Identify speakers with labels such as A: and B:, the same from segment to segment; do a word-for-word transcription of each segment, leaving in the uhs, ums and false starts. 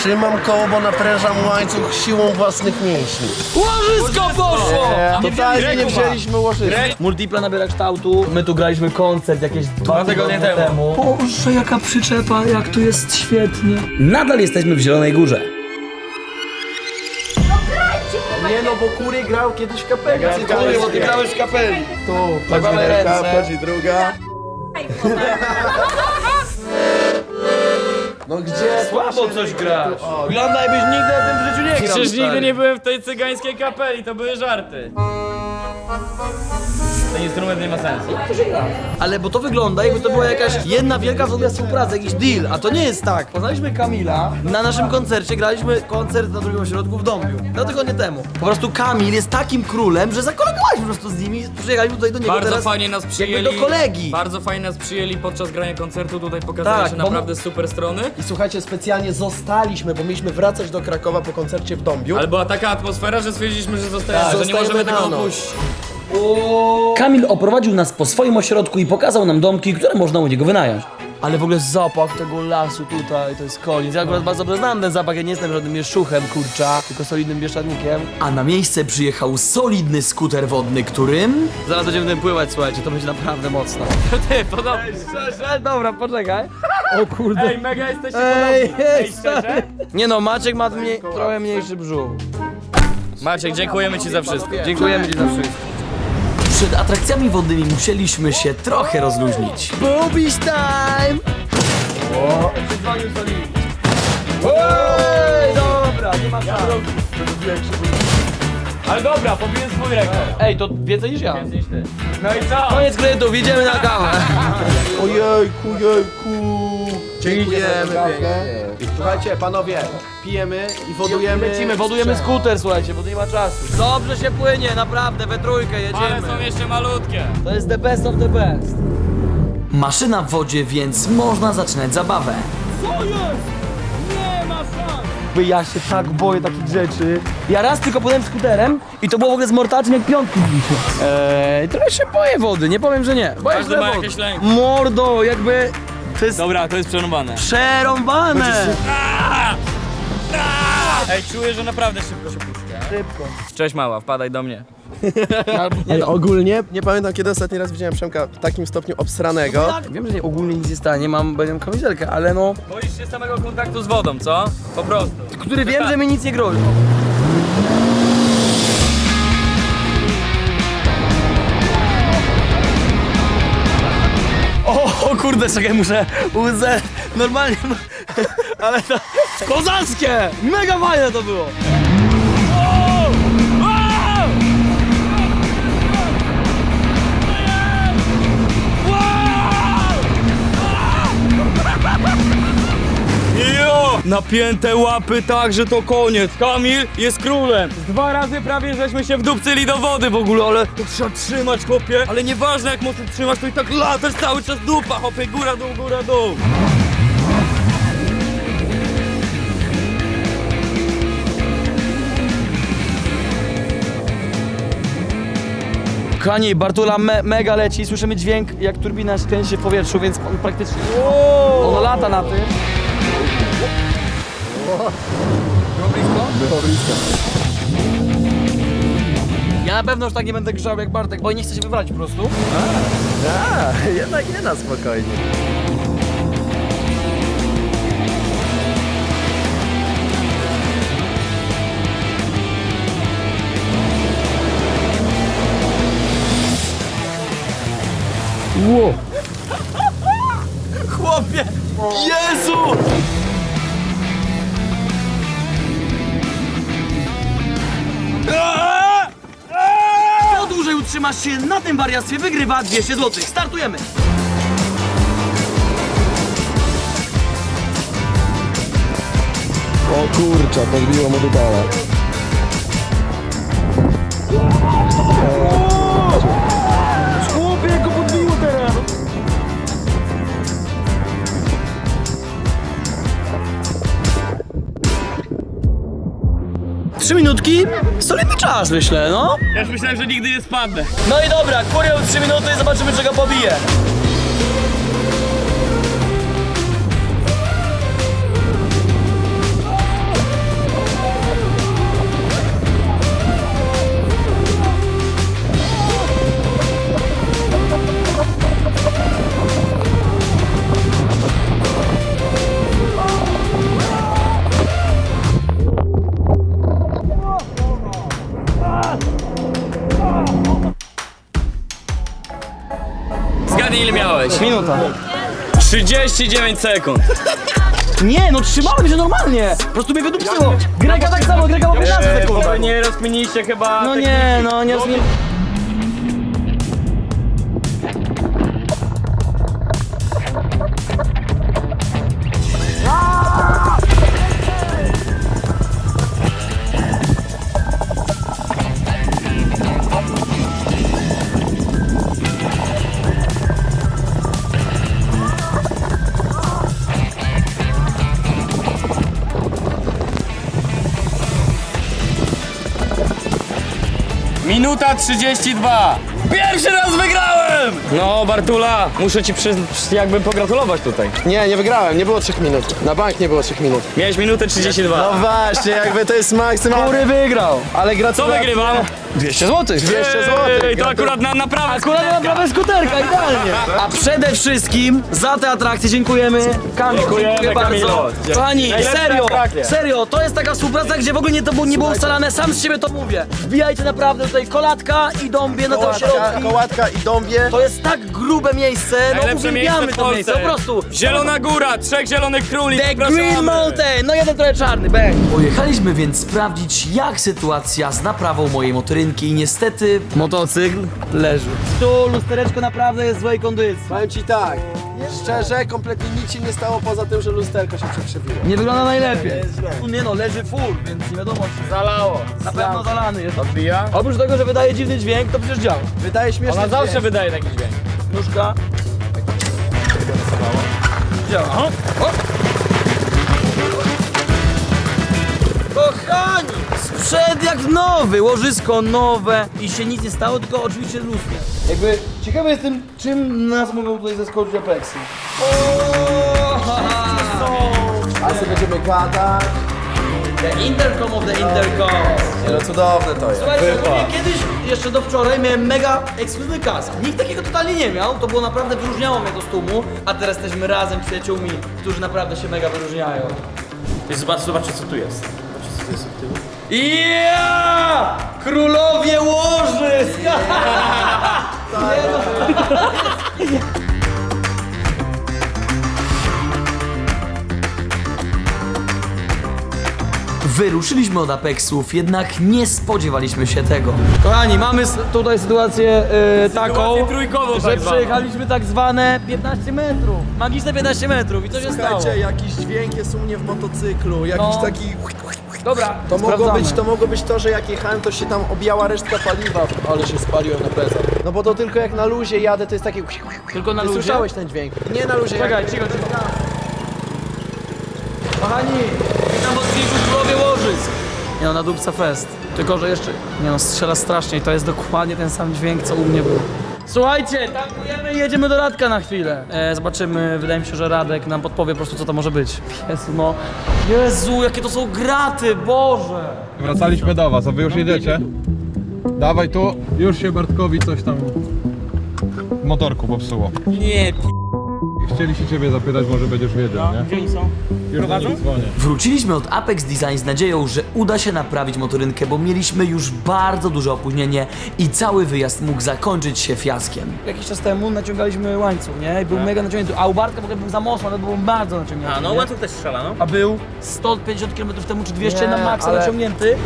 A: Trzymam koło, bo naprężam łańcuch siłą własnych mięśni.
B: Łożysko poszło!
A: Totalnie nie wzięliśmy łożyska.
B: Multipla nabiera kształtu. My tu graliśmy koncert jakieś dwa tygodnie temu. temu. Boże, jaka przyczepa, jak tu jest świetnie. Nadal jesteśmy w Zielonej Górze.
A: Nie no, bo Kury grał kiedyś w kapeli. Ja
B: Kury, bo ty grałeś w kapeli.
A: Tu,
B: Mamy
A: chodzi
B: ręce.
A: ręka, chodzi druga. No gdzie?
B: Słabo coś grasz. Wygląda jakbyś nigdy na tym w życiu nie grał.
C: Przecież nigdy nie byłem w tej cygańskiej kapeli, to były żarty. Ten instrument nie ma sensu.
B: Ale bo to wygląda, jakby to była jakaś jedna wielka w ogóle współpraca, jakiś deal, a to nie jest tak. Poznaliśmy Kamila, na naszym koncercie graliśmy koncert na drugim ośrodku w Dąbiu. Dwa tygodnie temu. Po prostu Kamil jest takim królem, że zakolegowaliśmy po prostu z nimi, przyjechaliśmy tutaj do niego
C: Bardzo
B: teraz
C: fajnie nas przyjęli.
B: jakby do kolegi.
C: Bardzo fajnie nas przyjęli podczas grania koncertu, tutaj pokazali
B: Tak,
C: się
B: bo-
C: naprawdę super strony.
A: I słuchajcie, specjalnie zostaliśmy, bo mieliśmy wracać do Krakowa po koncercie w Dąbiu.
C: Ale była taka atmosfera, że stwierdziliśmy, że zostajemy, że nie
A: zostajemy
C: możemy
A: na
C: tego
A: noc.
C: opuścić.
B: Kamil oprowadził nas po swoim ośrodku i pokazał nam domki, które można u niego wynająć. Ale w ogóle zapach tego lasu tutaj, to jest koniec. Ja akurat bardzo dobrze znam ten zapach, ja nie jestem żadnym mieszuchem, kurcza, tylko solidnym bieszczadnikiem. A na miejsce przyjechał solidny skuter wodny, którym... Zaraz będziemy tym pływać, słuchajcie, to będzie naprawdę mocno.
C: Ty, podobnie.
B: Szczerze? Dobra, poczekaj. O kurde.
C: Ej, mega jesteście
B: Ej,
C: podobni.
B: ej,
C: Ej, szczerze?
B: Nie no, Maciek ma mniej, trochę mniejszy brzuch.
C: Maciek, dziękujemy ci za wszystko.
B: Dziękujemy ci za wszystko. Przed atrakcjami wodnymi musieliśmy się trochę rozluźnić. Boobies time! O! Ej, dobra, nie ma szans.
C: Ale dobra, pobiłem swój rekord.
B: Ej, to więcej niż ja.
C: Niż ty. No i co?
B: Koniec kredytów, idziemy na kawę.
A: Ojejku, jejku. Dziękujemy pięknie. Słuchajcie, panowie, pijemy i wodujemy.
B: Lecimy, wodujemy skuter, słuchajcie, bo nie ma czasu. Dobrze się płynie, naprawdę, we trójkę
C: Ale
B: jedziemy.
C: są jeszcze malutkie.
B: To jest the best of the best. Maszyna w wodzie, więc można zaczynać zabawę.
C: Co jest? Nie ma szans.
B: Ja się tak boję takich rzeczy. Ja raz tylko płynąłem skuterem i to było w ogóle z mortaczem jak piątki dzisiaj. Eee, trochę się boję wody, nie powiem, że nie. Boję
C: Każdy
B: się
C: ma
B: wody.
C: jakieś lęki.
B: Mordo, jakby to jest
C: Dobra, to jest przerąbane.
B: przerąbane.
C: Ej, czuję, że naprawdę szybko się puszczę.
B: Szybko.
C: Cześć mała, wpadaj do mnie.
A: Ej, ogólnie nie pamiętam, kiedy ostatni raz widziałem Przemka w takim stopniu obsranego.
B: Tak, wiem, że nie, ogólnie nic nie stanie, mam, będę kamizelkę, ale no,
C: Boisz się samego kontaktu z wodą, co? Po prostu.
B: który wiem, że mi nic nie grozi. O, o kurde, czekaj, muszę łzę, normalnie, no, ale to kozackie, mega fajne to było.
C: Jo! Napięte łapy tak, że to koniec. Kamil jest królem. Dwa razy prawie żeśmy się wdupcyli do wody w ogóle, ale to trzeba trzymać, chłopie. Ale nieważne jak mocno trzymasz, to i tak latasz cały czas dupa, chłopie. Góra, dół, góra, dół.
B: Kochani, Bartula me, mega leci, słyszymy dźwięk jak turbina kręci się w powietrzu, więc on praktycznie on lata na tym. Było blisko?
A: Było blisko.
B: Ja na pewno już tak nie będę grzał jak Bartek, bo nie chcę się wywalić po prostu.
A: A, jednak nie na spokojnie.
B: Wow. Chłopie! Jezu! Kto dłużej utrzymasz się na tym wariactwie, wygrywa dwieście złotych. Startujemy!
A: O kurczę, podbiło mu dupala.
B: Chłopie, go podbiło teraz! Trzy minutki? Solidny czas, myślę, no.
C: Ja już myślałem, że nigdy nie spadnę.
B: No i dobra, kurią trzy minuty i zobaczymy, czego pobije. Minuta.
C: trzydzieści dziewięć sekund.
B: Nie, no trzymałem się normalnie. Po prostu mnie wydupcyło. Grega tak samo, Grega ma piętnaście sekund.
C: Eee, nie rozkminiliście chyba
B: No
C: techniki.
B: nie, no nie rozumiem.
C: Minuta trzydzieści dwa. Pierwszy raz wygrałem! No Bartula, muszę ci przy, przy, jakby pogratulować tutaj.
A: Nie, nie wygrałem, nie było trzech minut. Na bank nie było trzech minut.
C: Miałeś minutę trzydzieści dwa.
A: No właśnie, jakby to jest maksymalny.
B: Który wygrał?
A: Ale
C: Co
A: gratulacje.
C: wygrywam?
B: dwieście złotych.
A: dwieście złotych.
C: Ej, to akurat na naprawę.
B: Akurat na prawe skuterka, idealnie. A przede wszystkim za te atrakcje dziękujemy. Kamil,
C: Dziękujemy,
B: dziękuję
C: Kamilu.
B: bardzo. Kochani,
C: Najlepsze
B: serio,
C: atrakcje.
B: serio, to jest taka współpraca, gdzie w ogóle nie, to było, nie było ustalane, sam z siebie to mówię. Wbijajcie naprawdę tutaj kolatka i dąbie na te
A: Kołatka,
B: ośrodki.
A: kołatka i dąbie.
B: To jest tak grube miejsce, no
C: Najlepsze miejsce
B: uwielbiamy
C: w
B: to miejsce, po
C: Polsce.
B: prostu.
C: Zielona Góra, trzech zielonych króli.
B: The
C: zapraszamy.
B: Green Mountain, no jeden trochę czarny, bang. Pojechaliśmy więc sprawdzić, jak sytuacja z naprawą mojej motorynki i niestety motocykl leży. Tu lustereczko naprawdę jest w złej kondycji.
A: Powiem ci tak, szczerze, kompletnie nic się nie stało poza tym, że lusterko się przekrzywiło.
B: Nie wygląda najlepiej. Tu nie no, leży full, więc nie wiadomo czy
C: Zalało.
B: na pewno zalany jest.
C: Odbija?
B: Oprócz tego, że wydaje dziwny dźwięk, to przecież działa.
A: Wydaje śmieszny
C: Ona zawsze
A: dźwięk.
C: wydaje taki dźwięk.
B: Nóżka. Działa. O. O. Kochani! Sprzęt jak nowy, łożysko nowe i się nic nie stało, tylko oczywiście lustro. Jakby ciekawy jestem, czym nas mogą tutaj zaskoczyć Apexy.
A: A sobie będziemy gadać.
B: The intercom of the intercom.
A: Nie, no cudowne to jest.
B: Słuchajcie, ogólnie kiedyś, jeszcze do wczoraj, miałem mega ekskluzywny kask. Nikt takiego totalnie nie miał, to było naprawdę, wyróżniało mnie to z tłumu, a teraz jesteśmy razem z przyjaciółmi, którzy naprawdę się mega wyróżniają.
C: Zobacz, zobaczcie co tu jest. Zobaczcie co tu jest od tyłu.
B: Ja! Królowie łożysk! Wyruszyliśmy od Apexów, jednak nie spodziewaliśmy się tego. Kochani, mamy s- tutaj sytuację yy, taką,
C: Sytuację trójkową
B: że
C: tak zwaną.
B: przejechaliśmy tak zwane piętnaście metrów. Magiczne piętnaście metrów i co się stało?
A: Słuchajcie, jakiś dźwięk jest u mnie w motocyklu, jakiś
B: No.
A: taki...
B: Dobra,
A: To mogło,
B: sprawdzamy.
A: być, to mogło być to, że jak jechałem, to się tam objęła resztka paliwa, ale się spaliłem na plecach. No bo to tylko jak na luzie jadę, to jest takie...
B: Tylko na
A: Ty
B: luzie?
A: słyszałeś ten dźwięk? Nie na luzie.
B: Czekaj,
A: jak...
B: cicho, cicho. Kochani, witam w odcinku Królowie Łożysk. Nie no, na dupce fest. Tylko, że jeszcze, nie no, strzela strasznie i to jest dokładnie ten sam dźwięk, co u mnie był. Słuchajcie, tankujemy i jedziemy do Radka na chwilę. E, zobaczymy, wydaje mi się, że Radek nam podpowie po prostu, co to może być. Jezu, no. Jezu, jakie to są graty, Boże.
D: Wracaliśmy do was, a wy już jedziecie? Dawaj tu, już się Bartkowi coś tam w motorku popsuło.
C: Nie, p***.
D: Chcieli się ciebie zapytać, może będziesz wiedział, nie?
C: Gdzie oni są?
D: Już do nich dzwonię.
B: Wróciliśmy od Apex Design z nadzieją, że uda się naprawić motorynkę, bo mieliśmy już bardzo duże opóźnienie i cały wyjazd mógł zakończyć się fiaskiem. Jakiś czas temu naciągaliśmy łańcuch, nie? I był mega naciągnięty, a u Bartka w ogóle był za mocno, ale był bardzo naciągnięty.
C: A no
B: nie?
C: łańcuch też strzela, no.
B: A był sto pięćdziesiąt kilometrów temu czy dwieście
A: Nie,
B: na maksa
A: ale-
B: naciągnięty.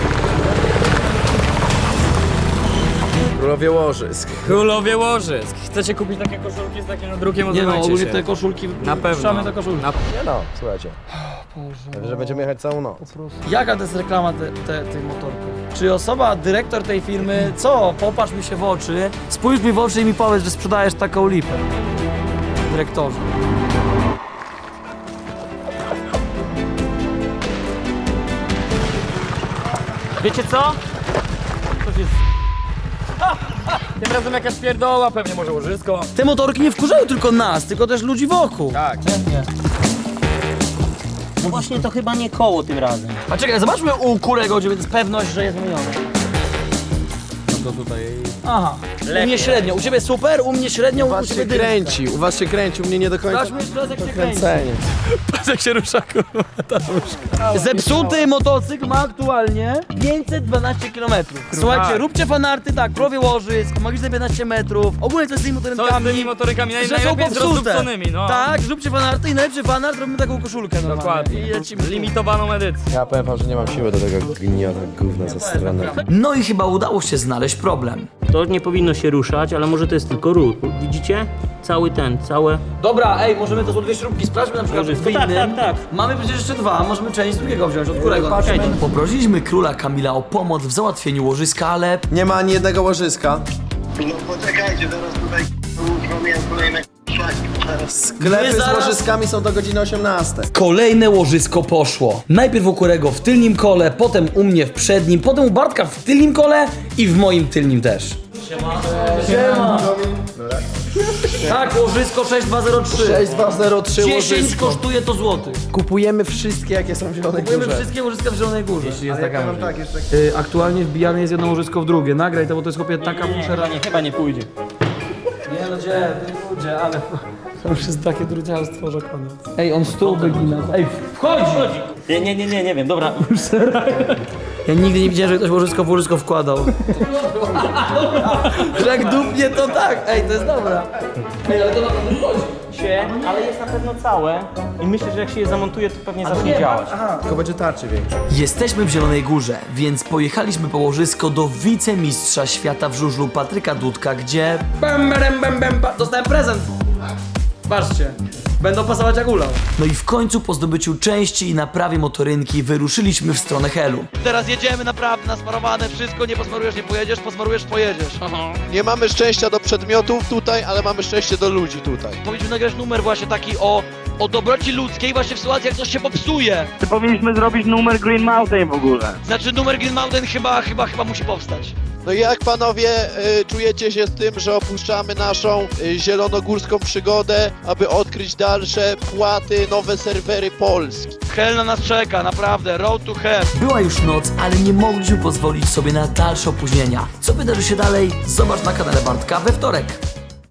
A: Królowie łożysk.
C: Królowie łożysk. Chcecie kupić takie koszulki z takim drukiem?
B: Nie no,
C: Odzywajcie
B: ogólnie
C: się.
B: te koszulki,
C: Na pewno.
B: puszczamy te koszulki.
C: Na...
A: Nie no, słuchajcie. Że będziemy jechać całą noc.
B: Jaka to jest reklama te, te, tych motorków? Czy osoba, dyrektor tej firmy, co? Popatrz mi się w oczy, spójrz mi w oczy i mi powiedz, że sprzedajesz taką lipę. Dyrektorze.
C: Wiecie co? Coś jest... Tym razem jakaś pierdoła, pewnie może łożysko.
B: Te motorki nie wkurzają tylko nas, tylko też ludzi wokół.
C: Tak.
E: No właśnie to chyba nie koło tym razem.
B: A czekaj, zobaczmy u Kurego, gdzie jest pewność, że jest wymieniony.
C: No to tutaj...
B: Aha, U mnie średnio, u ciebie super, u mnie średnio,
A: U
B: u
A: was
B: ciebie
A: się
B: dyrka.
A: kręci, u was się kręci, u mnie nie do końca
B: Dasz mi jeszcze raz jak się kręci.
A: kręcenie.
B: Patrz jak się rusza, kurwa, ta nóżka. Zepsuty motocykl ma aktualnie pięćset dwanaście kilometrów. Słuchajcie, róbcie fanarty, tak, królowie łożysk, magiczne piętnaście metrów, ogólnie co z tymi
C: Co z
B: motorynkami.
C: tymi motorykami? Naj,
B: Że są
C: najlepiej z
B: popsute.
C: rozdupconymi, no.
B: Tak, zróbcie fanarty i najlepszy fanart, robimy taką koszulkę normalnie.
C: Dokładnie.
B: I lecimy.
C: Limitowaną edycję.
A: Ja powiem wam, że nie mam siły do tego gniota gówna ze strony.
B: No i chyba udało się znaleźć problem.
E: To nie powinno się ruszać, ale może to jest tylko ruch. Widzicie? Cały ten, całe...
B: Dobra, ej, możemy to są dwie śrubki, sprawdźmy na przykład w
E: Łożysko. Tak,
B: innym.
E: tak, tak.
B: Mamy przecież jeszcze dwa, możemy część z drugiego wziąć, od którego?
A: Patrzmy.
B: Poprosiliśmy króla Kamila o pomoc w załatwieniu łożyska, ale
A: Nie ma ani jednego łożyska.
F: No poczekajcie, teraz tutaj uruchomiłem kolejne szlaki.
A: Sklepy
B: My zaraz-
A: z łożyskami są do godziny osiemnastej.
B: kolejne łożysko poszło. Najpierw u Kurego w tylnym kole, potem u mnie w przednim, potem u Bartka w tylnym kole i w moim tylnym też. Siema. Siema. Tak, łożysko sześć dwa zero trzy.
A: sześć dwa zero trzy
B: dziesięć
A: łożysko.
B: kosztuje to złotych.
A: Kupujemy wszystkie, jakie są w Zielonej
B: Kupujemy
A: Górze.
B: wszystkie łożyska w Zielonej Górze. Jeśli jest taka
A: Powiem tak, jeszcze
B: y, Aktualnie wbijane jest jedno łożysko w drugie. Nagraj to, bo to jest chłopie taka fuszera.
E: Nie, chyba nie pójdzie.
B: Nie no gdzie, nie ludzie, ale to już jest takie druciarstwo, że koniec. Ej, on stół wygina. Ej, wchodzi!
E: Nie, nie, nie, nie, nie wiem, dobra.
B: Ja nigdy nie widziałem, że ktoś łożysko w łożysko wkładał. Że jak dupnie to tak. Ej, to jest dobra. Ej, ale to naprawdę wchodzi.
E: Się, ale jest na pewno całe i myślę, że jak się je zamontuje, to pewnie zacznie działać.
A: tylko będzie tarczy więcej.
B: Jesteśmy w Zielonej Górze, więc pojechaliśmy po łożysko do wicemistrza świata w żużlu Patryka Dudka, gdzie... Bam, bam, bam, bam, bam. Dostałem prezent. Patrzcie. Będą pasować jak ulał. No i w końcu po zdobyciu części i naprawie motorynki wyruszyliśmy w stronę Helu.
G: Teraz jedziemy naprawdę nasmarowane, wszystko, nie posmarujesz, nie pojedziesz, posmarujesz, pojedziesz.
H: Nie mamy szczęścia do przedmiotów tutaj, ale mamy szczęście do ludzi tutaj.
G: Powinniśmy nagrać numer właśnie taki o, o dobroci ludzkiej właśnie w sytuacji, jak coś się popsuje.
F: To powinniśmy zrobić numer Green Mountain w ogóle.
G: Znaczy numer Green Mountain chyba, chyba, chyba musi powstać.
H: No i jak panowie y, czujecie się z tym, że opuszczamy naszą y, zielonogórską przygodę, aby odkryć dalsze płaty, nowe serwery Polski?
G: Hell na nas czeka, naprawdę, road to hell.
B: Była już noc, ale nie mogliśmy pozwolić sobie na dalsze opóźnienia. Co wydarzy się dalej? Zobacz na kanale Bartka we wtorek.